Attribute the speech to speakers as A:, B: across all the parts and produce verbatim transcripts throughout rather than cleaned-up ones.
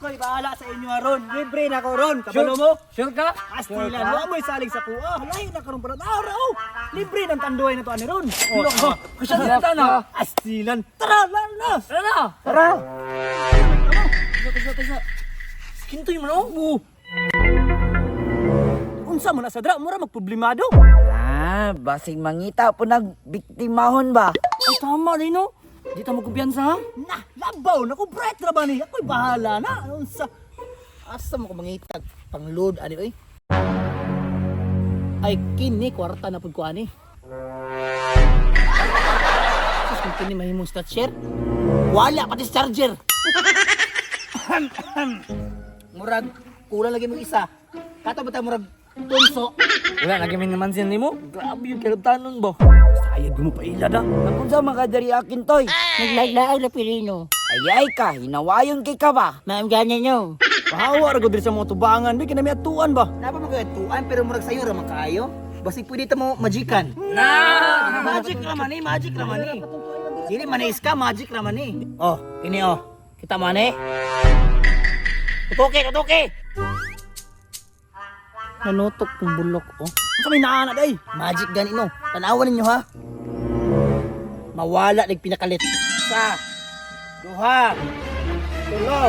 A: Ako'y bahala sa inyo ron. Libre na ko ron. Kabalo mo?
B: Sure ka?
A: Astilan, wala mo'y salig sa kuha. Lahi na karon para araw. Libre ng tanduay na to ani ron.
B: Oh,
A: Oh,
B: Kasi dito na.
A: Astilan. Tara, lalo na.
B: Tara na.
A: Tara.
B: Tisa, tisa, tisa. Kintoy mo no?
A: Oo. Unsa mo na sa dra, mura magproblemado.
C: Ah, basing mangita po nagbiktimahon ba?
B: Ay, tama rin no. Di ta mo kumpiyansa ha?
A: Na, labaw na ko bright ra ba ni? Ako'y bahala na. Unsa? Asa mo ko mangitag pang-load ani oy? Ay kini kwarta na pud ko ani. Sus kung kini mahimong stat share. Wala pati sa charger. Murag kulang lagi mo isa. Kato ba ta murag tunso?
B: Wala, lagi may naman sin mo. Grabe yung kilabtanon ba?
A: Sayad mo pa ila da.
C: Nakunsa makadari akin toy.
D: Naglaag na pilino.
C: Ayay ka, hinawayon kay ka ba?
D: Ma'am, ganyan nyo.
A: Pahawa ra gud diri sa mga tubangan, di kinami atuan ba?
E: Napa mo kaya tuan pero murag sayo ra man kaayo. Basi pwede ta mo magican.
B: Na!
E: Magic ra man eh, magic ra man eh. Dili man eh, ska magic ra man eh. Oh, ini oh. Kita man eh. Tutuki, tutuki.
A: Nanutok kong bulok oh. Unsa may naana day?
E: Magic gani no. Tanawan ninyo ha. Mawala nig pinakalit. Sa duha. Tulo.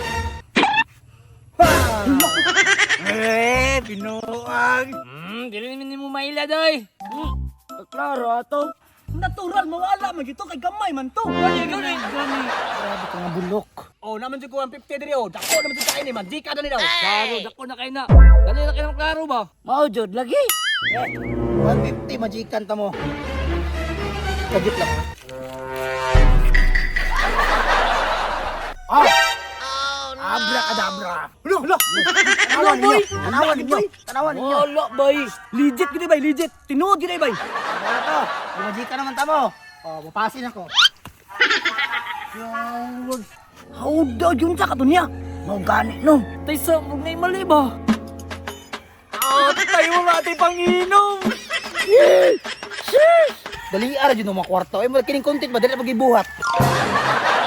A: Eh, binuang.
B: Hmm, dili naman mo maila doy.
C: Hmm, klaro ato.
A: Natural mawala man gito kay gamay man to.
B: Gani, gani, gani.
A: Grabe ka nga bulok. Oh, naman jud ko one fifty diri oh. Dako naman jud kain ni man. Di ka na ni daw.
B: Klaro, dako na kayo na. Dali na kayo ng klaro ba?
C: Mao jud lagi.
E: one fifty magican ta mo. Kagit lang ha. Ah! Abracadabra.
A: Lo, lo.
E: Tanawan ninyo. Tanawan ninyo. Tanawan ninyo.
A: Wala bay. Legit gid bay, legit. Tinuod gid bay.
E: Ano to? Magican naman ta mo. Oh, mapasin ako.
A: How daw yun sa katunya?
C: Mao gani no.
B: Tay sa mong ngay mali ba?
A: Ah, tayo mo natin panginom.
E: Dali ara jud no mga kwarto. Ay mo kining content ba dili pagibuhat.